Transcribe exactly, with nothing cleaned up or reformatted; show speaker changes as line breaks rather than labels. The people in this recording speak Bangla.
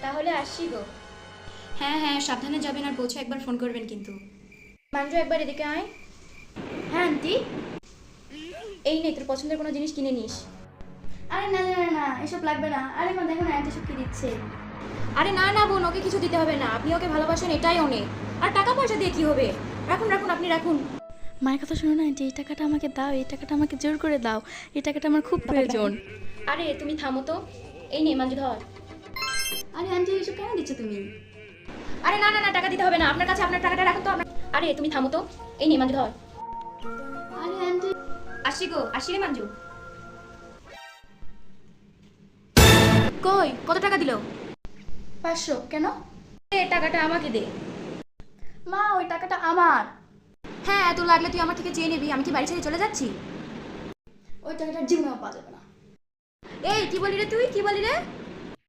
তাহলে আসছি গো।
হ্যাঁ হ্যাঁ, সাবধানে যাবেন আর পৌঁছে একবার ফোন করবেন কিন্তু।
মাঞ্জু একবার এদিকে আয়। হ্যাঁ আন্টি। এই নে তোর পছন্দের কোনো জিনিস কিনে নিস। আরে না না না না, এসব লাগবে না। আরে মা দেখো না আন্টি সব কি দিচ্ছে।
আরে না না বোন, ওকে কিছু দিতে হবে না, আপনি ওকে ভালোবাসেন এটাই অনেক। আর টাকা পয়সা দিয়ে কি হবে, রাখুন রাখুন, আপনি রাখুন।
মায়ের কথা শোনো না আন্টি, এই টাকাটা আমাকে দাও, এই টাকাটা আমাকে জোর করে দাও, এই টাকাটা আমার খুব প্রয়োজন।
আরে তুমি থামো তো। এই নে মাঞ্জু ধর।
আরে আন্টি এসব কেন দিচ্ছ তুমি?
আরে না না না, টাকা দিতে হবে না, আপনার কাছে আপনার টাকাটা রাখুন তো আপনার। আরে তুমি থামো তো। এই নে মাঞ্জু ধর।
আরে আন্টি
আসছি গো, আসছি রে মাঞ্জু।
কই, কত টাকা দিল?
পাঁচশো। কেন?
এ টাকাটা আমাকে দে।
মা ওই টাকাটা আমার।
হ্যাঁ, এত লাগলে তুই আমার থেকে চেয়ে নিবি, আমি কি বাড়ি ছেড়ে চলে যাচ্ছি?
ওই টাকাটা জীবনেও পাওয়া যাবে না।
এই কি বলি রে তুই, কি বলি রে?